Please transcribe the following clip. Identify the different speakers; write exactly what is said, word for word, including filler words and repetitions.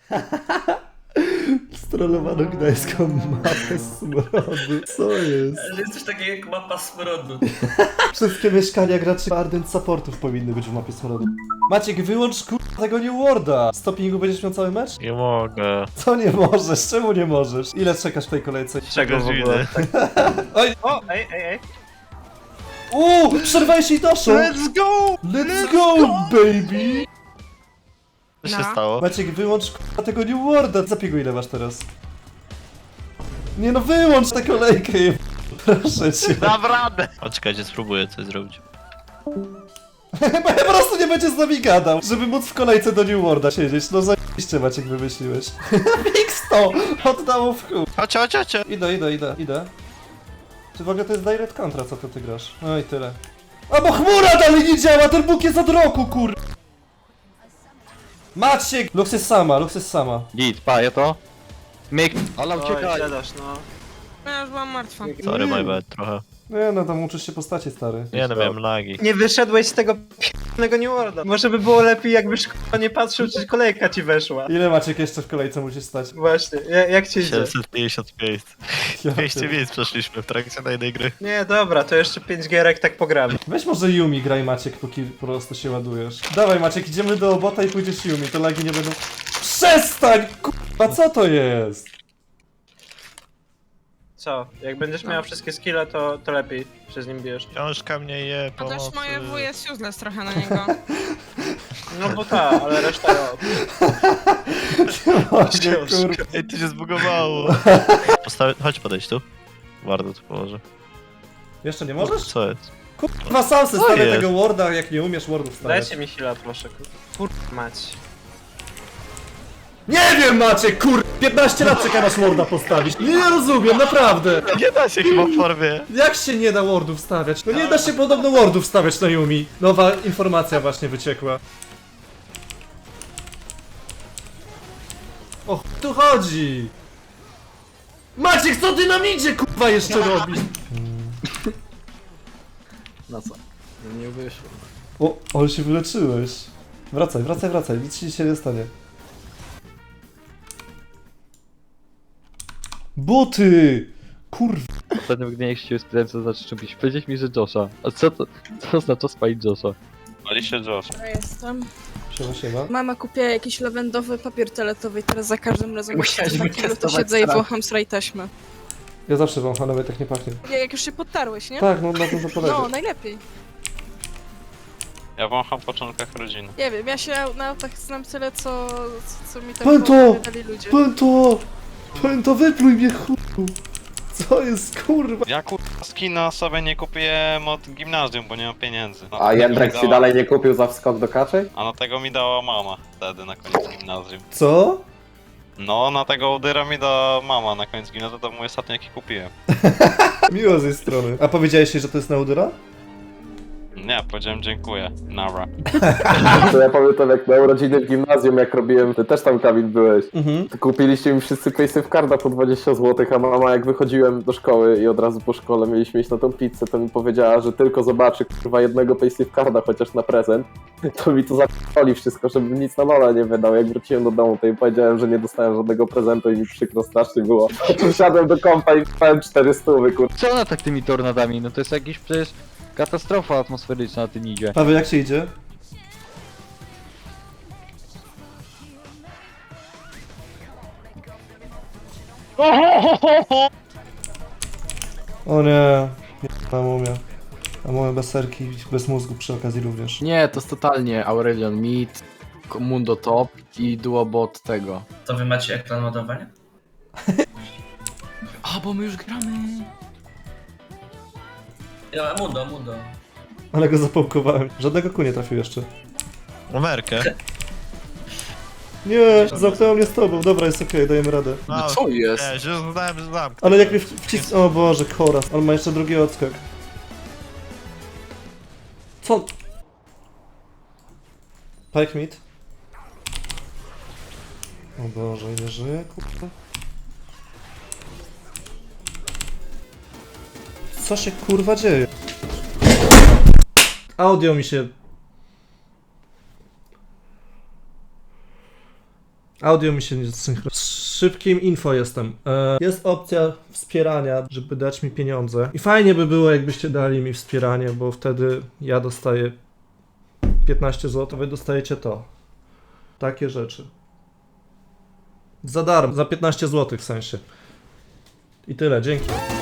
Speaker 1: Strolowano gdańską mapę smrodu. Co jest?
Speaker 2: Ale jest coś takiego jak mapa smrodu.
Speaker 1: Wszystkie mieszkania graczy Ardent Supportów powinny być w mapie smrodu. Maciek, wyłącz kurwa tego New Worlda. Stopingu będziesz miał cały mecz?
Speaker 3: Nie mogę.
Speaker 1: Co nie możesz? Czemu nie możesz? Ile czekasz w tej kolejce?
Speaker 3: Czego widzę?
Speaker 1: Oj!
Speaker 4: O, ej, ej, ej.
Speaker 1: Uuu! Przerwałeś jej doszło!
Speaker 3: Let's go!
Speaker 1: Let's go, baby!
Speaker 3: Co się
Speaker 5: No.
Speaker 3: stało?
Speaker 1: Maciek, wyłącz kurwa tego New Worlda. Zapiegu ile masz teraz? Nie no, wyłącz tę kolejkę, je... Proszę cię.
Speaker 3: Dam radę! O, czekajcie, spróbuję coś zrobić.
Speaker 1: Bo po prostu nie będzie z nami gadał, żeby móc w kolejce do New Worlda siedzieć. No zajebiście, Maciek, wymyśliłeś. Fix to! Oddało w chuj.
Speaker 3: Chodź, chodź, chodź!
Speaker 1: Idę, idę, idę, idę. Czy w ogóle to jest direct contra, co to ty grasz? No i tyle. A bo chmura dalej nie działa, ten Bóg jest od roku, kur... Maciek! Lux jest sama, Lux jest sama.
Speaker 6: Git, paję to. Myk. Ala,
Speaker 4: Oj,
Speaker 6: uciekaj.
Speaker 4: gadasz, no.
Speaker 5: No ja już byłam martwa.
Speaker 3: Sorry, my bad, trochę.
Speaker 1: Nie no, tam uczysz się postaci, stary.
Speaker 3: Nie no, miałem lagi.
Speaker 4: Nie wyszedłeś z tego p***nego New Worlda. Może by było lepiej, jakbyś k***a nie patrzył, czy kolejka ci weszła.
Speaker 1: Ile Maciek jeszcze w kolejce musisz stać?
Speaker 4: Właśnie, ja, jak ci idzie?
Speaker 3: siedemset pięćdziesiąt miejsc.
Speaker 1: Ja
Speaker 3: dwieście
Speaker 1: pierdolę.
Speaker 3: miejsc przeszliśmy w trakcie na jednej gry.
Speaker 4: Nie, dobra, to jeszcze pięć gierek tak pogramy.
Speaker 1: Weź może Yumi graj, Maciek, póki po prostu się ładujesz. Dawaj, Maciek, idziemy do bota i pójdziesz Yumi, to lagi nie będą... Przestań! Kurwa, co to jest?
Speaker 4: Co? Jak będziesz miał wszystkie skille, to, to lepiej się z nim bijesz.
Speaker 3: Książka mnie je,
Speaker 5: Chociaż
Speaker 3: pomocy.
Speaker 5: moje W jest useless trochę na niego.
Speaker 4: No bo ta, ale reszta ja...
Speaker 1: Maciek, kurwa.
Speaker 3: Ej, to się zbugowało. Postawię... Chodź podejść tu. Bardzo tu położę.
Speaker 1: Jeszcze nie możesz?
Speaker 3: Co jest?
Speaker 1: Kurwa, sam se
Speaker 3: Co
Speaker 1: stawię
Speaker 3: jest?
Speaker 1: tego warda, jak nie umiesz wardów stawiać.
Speaker 4: Dajcie mi heal'a, proszę. Kur... mać.
Speaker 1: Nie wiem, Maciek, kur... piętnaście lat czeka na warda postawić. Nie rozumiem, naprawdę.
Speaker 3: Nie da się chyba w formie.
Speaker 1: Jak się nie da wardów stawiać? No nie da się podobno wardów stawiać na Yumi. Nowa informacja właśnie wyciekła. O ch... tu chodzi. Maciek, co ty nam idzie, kurwa, jeszcze robisz?
Speaker 6: Na co? No nie wyszło.
Speaker 1: O, ale się wyleczyłeś. Wracaj, wracaj, wracaj, nic ci się nie stanie. Buty! Kurwa.
Speaker 6: Ostatnio w gniewie się spytałem, co znaczy czymś. Powiedziałeś mi, że Josha. A co to, co oznacza spalić Josha?
Speaker 3: Pali się Josh.
Speaker 5: Ja jestem.
Speaker 1: Siema, siema.
Speaker 5: Mama kupiła jakiś lawendowy papier toaletowy i teraz za każdym razem
Speaker 4: Musiałeś
Speaker 5: jak to
Speaker 4: wytestować
Speaker 5: siedzę i
Speaker 4: strat.
Speaker 5: wącham sraj taśmy.
Speaker 1: Ja zawsze wącham, nawet jak nie pachnie.
Speaker 5: Ja- Jak już się podtarłeś, nie?
Speaker 1: Tak, no na tym to polega.
Speaker 5: No, najlepiej.
Speaker 3: Ja wącham w początkach rodziny.
Speaker 5: Nie wiem, ja się na autach znam tyle, co, co, co mi tam
Speaker 1: Pęto!
Speaker 5: wydali ludzie.
Speaker 1: Pęto! Pęto, wypluj mnie, chuju! Co jest, kurwa?
Speaker 7: Ja kurwa skina sobie nie kupiłem od gimnazjum, bo nie mam pieniędzy. No,
Speaker 8: A
Speaker 7: tego
Speaker 8: Jędrek
Speaker 7: mi
Speaker 8: ci
Speaker 7: dała-
Speaker 8: dalej nie kupił za wskok do kaczej?
Speaker 7: A no tego mi dała mama wtedy na koniec gimnazjum.
Speaker 1: Co?
Speaker 7: No, na tego udyra mi dała mama na koniec gimnazjum, to mój ostatni jaki kupiłem.
Speaker 1: Miło z jej strony. A powiedziałeś jej, że to jest Naudura?
Speaker 7: Nie, powiedziałem dziękuję. Nara.
Speaker 8: To ja pamiętam jak na urodziny w gimnazjum, jak robiłem, ty też tam, Kamil, byłeś.
Speaker 1: Mhm.
Speaker 8: To kupiliście mi wszyscy paysafe carda po dwadzieścia złotych, a mama jak wychodziłem do szkoły i od razu po szkole mieliśmy iść na tą pizzę, to mi powiedziała, że tylko zobaczy kurwa jednego paysafe carda chociaż na prezent. To mi to zapali wszystko, żebym nic na nola nie wydał. Jak wróciłem do domu, to jej powiedziałem, że nie dostałem żadnego prezentu i mi przykro strasznie było. Siadłem do kompa i wstałem cztery stówy, kurwa.
Speaker 6: Co ona tak tymi tornadami? No to jest jakiś przecież katastrofa atmosferyczna na tym idzie.
Speaker 1: Paweł, jak się idzie? O nie, na mumia. A moje bez serki, bez mózgu przy okazji również.
Speaker 9: Nie, to jest totalnie Aurelion Mid, Mundo Top i Duobot tego.
Speaker 2: To wy macie ekran ładowania?
Speaker 9: A, bo my już gramy.
Speaker 2: Ja, mundo, mundo.
Speaker 1: Ale go zapałkowałem. Żadnego ku nie trafił jeszcze.
Speaker 3: Numerkę.
Speaker 1: Nie, zamknęło mnie z tobą. Dobra, jest okej, dajemy radę.
Speaker 3: No,
Speaker 9: Co jest?
Speaker 3: Nie, że znałem, że znam.
Speaker 1: Ale jak mnie wcis... O Boże, Koras. On ma jeszcze drugi odskok. Co? Pike mid. O Boże, ile żyje, kurde. Co się kurwa dzieje? Audio mi się... Audio mi się nie synchronizuje. Z szybkim info jestem. E, jest opcja wspierania, żeby dać mi pieniądze. I fajnie by było, jakbyście dali mi wspieranie, bo wtedy ja dostaję piętnaście złotych, wy dostajecie to. Takie rzeczy. Za darmo, za piętnaście złotych w sensie. I tyle, dzięki.